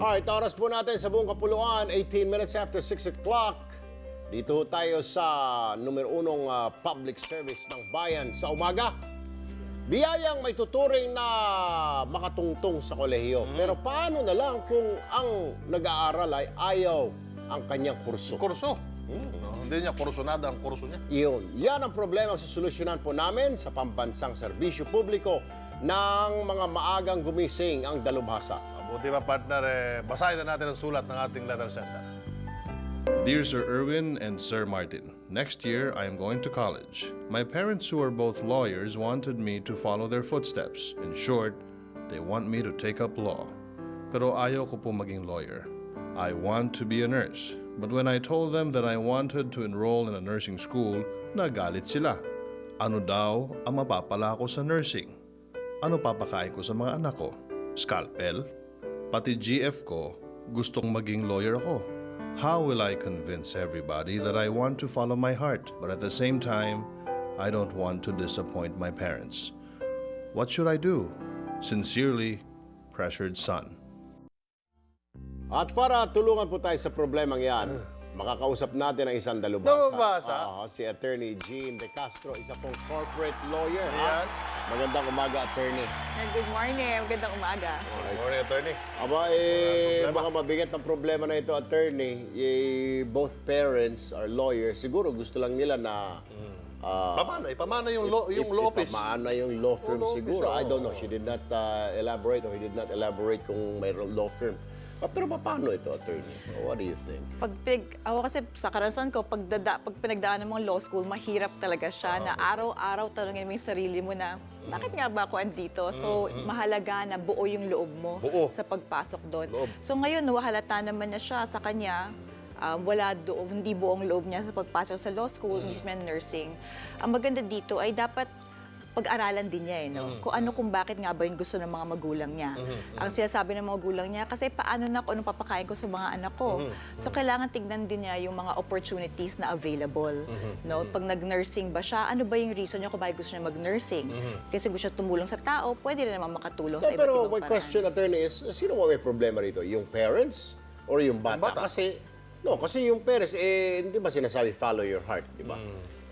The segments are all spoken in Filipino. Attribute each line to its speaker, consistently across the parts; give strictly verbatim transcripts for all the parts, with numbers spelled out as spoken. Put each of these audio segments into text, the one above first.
Speaker 1: Alright, oras po natin sa buong kapuluan, eighteen minutes after six o'clock. Dito tayo sa numero unong uh, public service ng bayan sa umaga. Biyayang may tuturing na makatungtong sa kolehiyo. Mm. Pero paano na lang kung ang nag-aaral ay ayaw ang kanyang kurso?
Speaker 2: Kurso? Hmm. No, hindi niya kursunada ang kurso niya.
Speaker 1: Iyon. Yan ang problema sa solusyonan po namin sa pambansang serbisyo publiko ng mga maagang gumising ang dalubhasa.
Speaker 2: Buti ba, partner, eh, basahin na natin ang sulat ng ating letter center.
Speaker 3: Dear Sir Erwin and Sir Martin, next year I am going to college. My parents, who are both lawyers, wanted me to follow their footsteps. In short, they want me to take up law. Pero ayaw ko po maging lawyer. I want to be a nurse. But when I told them that I wanted to enroll in a nursing school, nagalit sila. Ano daw ang mapapala ko sa nursing? Ano papakain ko sa mga anak ko? Scalpel? Pati G F ko, gustong maging lawyer ako. How will I convince everybody that I want to follow my heart, but at the same time, I don't want to disappoint my parents? What should I do? Sincerely, Pressured Son.
Speaker 1: At para tulungan po tayo sa problemang yan, makakausap natin ang isang dalubhasa.
Speaker 2: Dalubhasa?
Speaker 1: Oo, si Attorney Jean De Castro, isa pong corporate lawyer. ha?
Speaker 2: Ayan.
Speaker 1: Magandang umaga, Attorney.
Speaker 4: Good morning. Magandang umaga.
Speaker 2: Good morning, attorney.
Speaker 1: Aba, eh, baka mabigat ang problema na ito, Attorney. Eh, both parents are lawyers. Siguro gusto lang nila na... ah,
Speaker 2: Pamana, ipamana yung law, yung law office.
Speaker 1: Ipamaana yung law firm
Speaker 2: law
Speaker 1: siguro.
Speaker 2: office,
Speaker 1: I don't
Speaker 2: oo.
Speaker 1: know. She did not uh, elaborate or he did not elaborate kung may law firm. Ah, pero paano ito, Attorney? What do you think?
Speaker 4: Pag pinag, ako kasi sa karanasan ko, pag, dada, pag pinagdaan ng mga law school, mahirap talaga siya na araw-araw tanungin mo yung sarili mo na, bakit nga ba ako andito? So, mahalaga na buo yung loob mo
Speaker 2: Buo.
Speaker 4: sa pagpasok doon.
Speaker 2: Loob.
Speaker 4: So, ngayon, halata naman na siya sa kanya, um, wala doon, hindi buong loob niya sa pagpasok sa law school, mm. mismo nursing. Ang maganda dito ay dapat pag-aralan din niya eh, no? Kung ano, kung bakit nga ba yung gusto ng mga magulang niya. Ang sinasabi ng mga magulang niya, kasi paano na kung anong papakain ko sa mga anak ko. So, kailangan tignan din niya yung mga opportunities na available. No? Pag nag-nursing ba siya, ano ba yung reason niya kung bakit gusto niya mag-nursing? Kasi gusto niya tumulong sa tao, pwede rin naman makatulong
Speaker 1: No,
Speaker 4: sa iba't
Speaker 1: pero
Speaker 4: ibang
Speaker 1: my
Speaker 4: paraan.
Speaker 1: question, Attorney, is, sino ba may problema rito? Yung parents or yung bata?
Speaker 2: Yung bata.
Speaker 1: Kasi, no, kasi yung parents, eh, hindi ba sinasabi, follow your heart, di ba?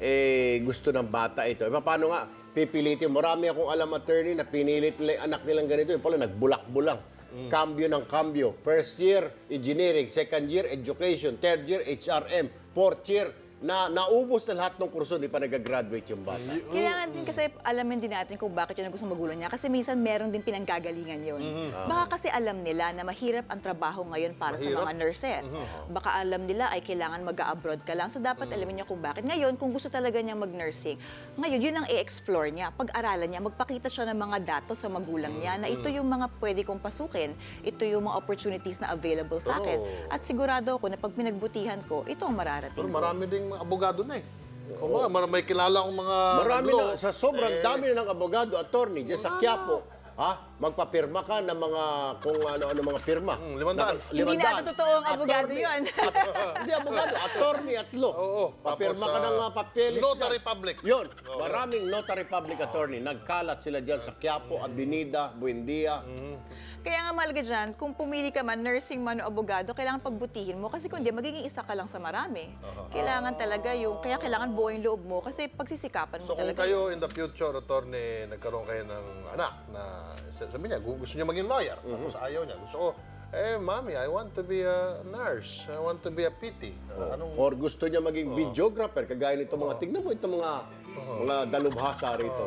Speaker 1: Eh, gusto ng bata ito. Eh, paano nga, pipilitin. Marami akong alam, Attorney, na pinilit nila yung anak nilang ganito. Yung pala, nagbulak-bulang. Cambio ng cambio. First year, engineering. Second year, education. Third year, H R M. Fourth year, na naubos na lahat ng kurso, di pa nag-graduate yung bata.
Speaker 4: Kailangan din kasi alamin din natin kung bakit yun ang gusto ng magulang niya. Kasi minsan meron din pinanggagalingan yun. Baka kasi alam nila na mahirap ang trabaho ngayon para sa
Speaker 2: Mahirap?
Speaker 4: mga nurses. Baka alam nila ay kailangan mag-abroad ka lang. So dapat alamin niya kung bakit. Ngayon, kung gusto talaga niya mag-nursing, ngayon yun ang i-explore niya. Pag-aralan niya, magpakita siya ng mga datos sa magulang niya na ito yung mga pwede kong pasukin. Ito yung mga opportunities na available sa akin. At sigurado ako na pag pinagbutihan ko, ito ang mararating
Speaker 2: Pero
Speaker 4: ko.
Speaker 2: marami ding mga abogado na eh. Kung mga, mar- may kilala akong mga...
Speaker 1: Marami
Speaker 2: nag-law,
Speaker 1: na, sa sobrang
Speaker 2: eh,
Speaker 1: dami na ng abogado, attorney, dyan sa Quiapo, ha? Magpapirma ka ng mga, kung ano-ano mga pirma.
Speaker 2: Hmm, limandaan.
Speaker 1: Na-
Speaker 4: Hindi
Speaker 1: limandaan.
Speaker 4: natin totoong abogado
Speaker 1: Attorney-
Speaker 4: yun.
Speaker 1: Hindi abogado, attorney at law.
Speaker 2: Oo.
Speaker 1: Papirma
Speaker 2: Tapos,
Speaker 1: ka ng
Speaker 2: ah,
Speaker 1: mga papeles.
Speaker 2: Notary
Speaker 1: dyan.
Speaker 2: public.
Speaker 1: Yun, maraming notary public attorney. Nagkalat sila dyan sa Quiapo, Avenida, Buendia.
Speaker 4: Kaya nga mahalaga dyan, kung pumili ka man, nursing man o abogado, kailangan pagbutihin mo. Kasi kung di, magiging isa ka lang sa marami. Kailangan talaga yung, kaya kailangan buo yung loob mo kasi pagsisikapan mo
Speaker 2: So kung
Speaker 4: talaga.
Speaker 2: kayo in the future, attorney, nagkaroon kayo ng anak na sabi niya, gu- gusto niya maging lawyer, tapos ayaw niya. Gusto ko, eh, mami, I want to be a nurse. I want to be a P T. Uh, anong...
Speaker 1: Or gusto niya maging videographer, kagaya nito mga, tignan mo itong mga, mga dalubhasa rito.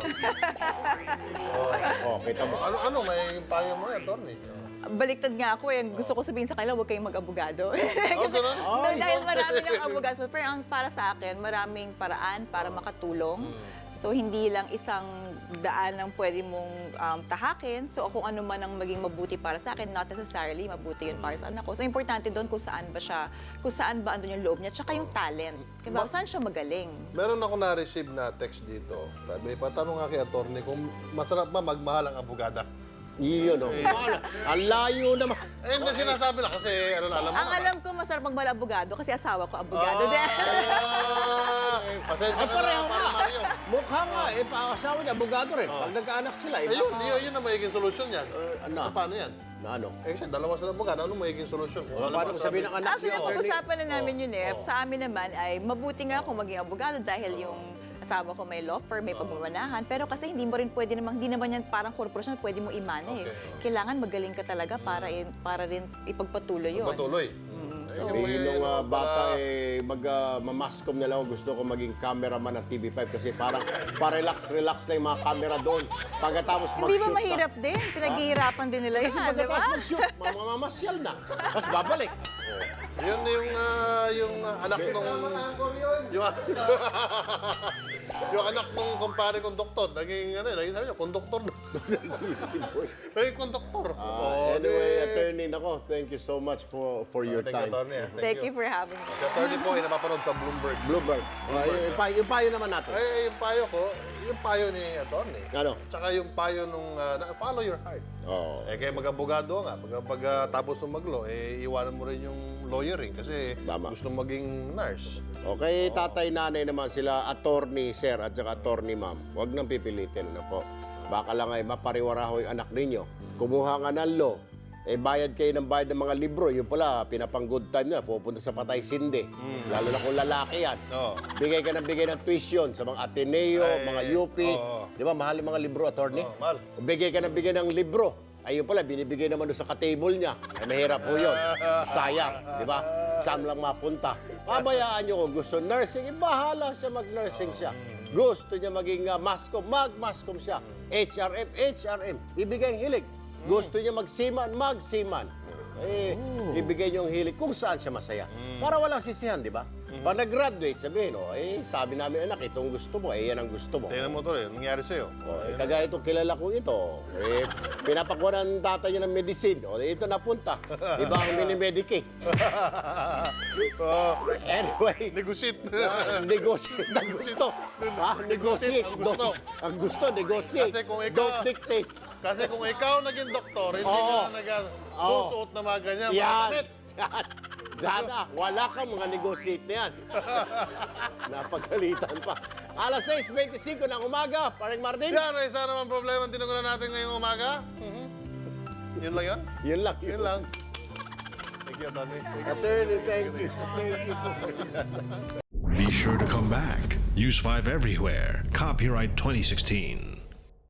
Speaker 1: Oh, kita mo.
Speaker 2: Ano, ano, may payo mo, attorney?
Speaker 4: Baliktad nga ako eh. Gusto ko sabihin sa kanila, huwag kayong mag-abogado.
Speaker 2: Oh, ganun?
Speaker 4: No, dahil marami ng abogado. Pero ang para sa akin, maraming paraan para makatulong. So, hindi lang isang daan ang pwede mong um, tahakin. So, kung ano man ang maging mabuti para sa akin, not necessarily mabuti yun para sa anak ko. So, importante doon kung saan ba siya, kung saan ba andun yung loob niya, tsaka yung talent. Diba? Saan siya magaling?
Speaker 2: Meron ako na-receive na text dito. Sabi, patanong nga kay attorney kung masarap ba magmahal ang abogada.
Speaker 1: Iyon, oh. Ang layo naman.
Speaker 2: Eh, hindi sinasabi na kasi, ano na, alam mo
Speaker 4: Ang
Speaker 2: na.
Speaker 4: alam ko, masarap magmahal abogado kasi asawa ko abogado din.
Speaker 2: Ah, pasensya ka na,
Speaker 1: Pareho
Speaker 2: para
Speaker 1: nga.
Speaker 2: Mario.
Speaker 1: Mukha nga, eh, pa-asawa niya, abogado rin. Pag nagkaanak sila, eh,
Speaker 2: Ayun,
Speaker 1: baka-
Speaker 2: yun, yun ang magiging solusyon yan.
Speaker 1: Eh, ano?
Speaker 2: Paano yan?
Speaker 1: na ano?
Speaker 2: Eh, kasi dalawa sila abogado, ano magiging solusyon? Kung ano
Speaker 1: Paano
Speaker 2: masabi-
Speaker 1: sabihin ng anak
Speaker 4: Actually,
Speaker 1: niya, attorney?
Speaker 4: napag-usapan na namin yun eh. Sa amin naman ay mabuti nga kung maging abogado dahil yung asawa ko may law firm, may pagmamanahan. Pero kasi hindi mo rin pwede namang, hindi naman yan parang korporasyon, pwede mo imana eh.
Speaker 2: Okay.
Speaker 4: Kailangan magaling ka talaga para, in- para rin ipagpatuloy yun.
Speaker 2: Patuloy.
Speaker 4: So,
Speaker 1: Sabihin nung ah,
Speaker 2: Ano
Speaker 1: bata,
Speaker 2: pala-
Speaker 1: eh, mag, uh, mamascom na lang ako. Gusto ko maging cameraman ng T V five kasi parang pa-relax-relax na yung mga camera doon. Pagkatapos mag-shoot
Speaker 4: Hindi ba
Speaker 1: sa-
Speaker 4: mahirap din? Pinaghihirapan din nila
Speaker 1: Kasi
Speaker 4: yan, di ba?
Speaker 1: pagkatapos mag-shoot, mamamasyal na. Tapos babalik.
Speaker 2: Yun yung, ah, yung ah, anak nung... Yung, yung anak nung kumpare kong doktor, naging, ano, naging sabi niya, konduktor. Naging konduktor.
Speaker 1: Ah,
Speaker 2: Oo,
Speaker 1: anyway,
Speaker 2: di-
Speaker 1: attorney, nako, thank you so much for for your
Speaker 2: Thank you,
Speaker 1: time.
Speaker 2: attorney. ah.
Speaker 4: Thank you for having me.
Speaker 2: Si attorney po ay napapanood sa Bloomberg.
Speaker 1: Bloomberg. Uh, yung, yung, payo- yung payo naman natin.
Speaker 2: Ay, yung payo ko, yung payo ni attorney.
Speaker 1: Ano?
Speaker 2: Tsaka yung payo nung ah, na- follow your heart.
Speaker 1: Oo.
Speaker 2: Eh, kaya mag-abogado nga. Pag, pag ah, tapos ng maglo, eh, iwanan mo rin yung lawyering kasi
Speaker 1: Tama.
Speaker 2: gusto maging nurse.
Speaker 1: Okay, tatay, nanay naman sila, attorney, sir, at saka attorney, ma'am. Huwag nang pipilitin, ano po. Baka lang ay mapariwara ho yung anak ninyo. Kumuha nga ng law, eh bayad kayo ng bayad ng mga libro. Yung pala, pinapang good time na, pupunta sa patay sindi. Lalo na kung lalaki yan.
Speaker 2: Oo.
Speaker 1: Bigay ka ng bigay ng tuition sa mga Ateneo,
Speaker 2: Ay,
Speaker 1: mga U P.
Speaker 2: oo.
Speaker 1: Di ba, mahal yung mga libro, attorney?
Speaker 2: Oo, mahal.
Speaker 1: Bigay ka ng bigay ng libro. Ayun pala, binibigay naman doon sa ka-table niya. Ay, mahirap po yun. Sayang, di ba? Saan lang mapunta. Pabayaan niyo kung gusto nursing, eh, bahala siya mag-nursing siya. Gusto niya maging uh, mascom, mag-mascom siya. H R M, H R M. Ibigay ang hilig. Gusto niya magsiman, magsiman. Eh, ibigay niyo ang hilig kung saan siya masaya. Para walang sisihan, di ba? Pag nag-graduate, sabihin, oh, eh, sabi namin, anak, itong gusto mo, eh, yan ang gusto mo.
Speaker 2: Tingnan mo to eh, nangyari sa'yo.
Speaker 1: Oh, eh, kagaya itong kilala ko ito, eh, pinapakuha ng tatay niya ng medicine. O, eh, ito napunta. Iba ang minimedicate.
Speaker 2: Oh,
Speaker 1: Anyway,
Speaker 2: negotiate.
Speaker 1: ah, negotiate ang gusto. Ha? Negotiate.
Speaker 2: ang gusto.
Speaker 1: Don't- Ang gusto, negotiate.
Speaker 2: Kasi kung ikaw-
Speaker 1: Don't dictate.
Speaker 2: Kasi kung ikaw naging doktor, hindi
Speaker 1: Oo.
Speaker 2: ka na
Speaker 1: Oo.
Speaker 2: nag-susuot na mga ganyan, mga
Speaker 1: Yan.
Speaker 2: damit.
Speaker 1: Yan. Sana, wala kang mga negotiate na yan. Napagalitan pa. alas sais twenty-five ng umaga, paring Martin.
Speaker 2: Yan, ay isa naman problema ang tinugunan natin ngayong umaga. Mhm. Yun lang yun?
Speaker 1: Yun lang.
Speaker 2: Yun lang. Thank you, Tony. Thank you.
Speaker 1: Attorney, thank you. Thank you.
Speaker 5: Be sure to come back. Use five everywhere. Copyright twenty sixteen.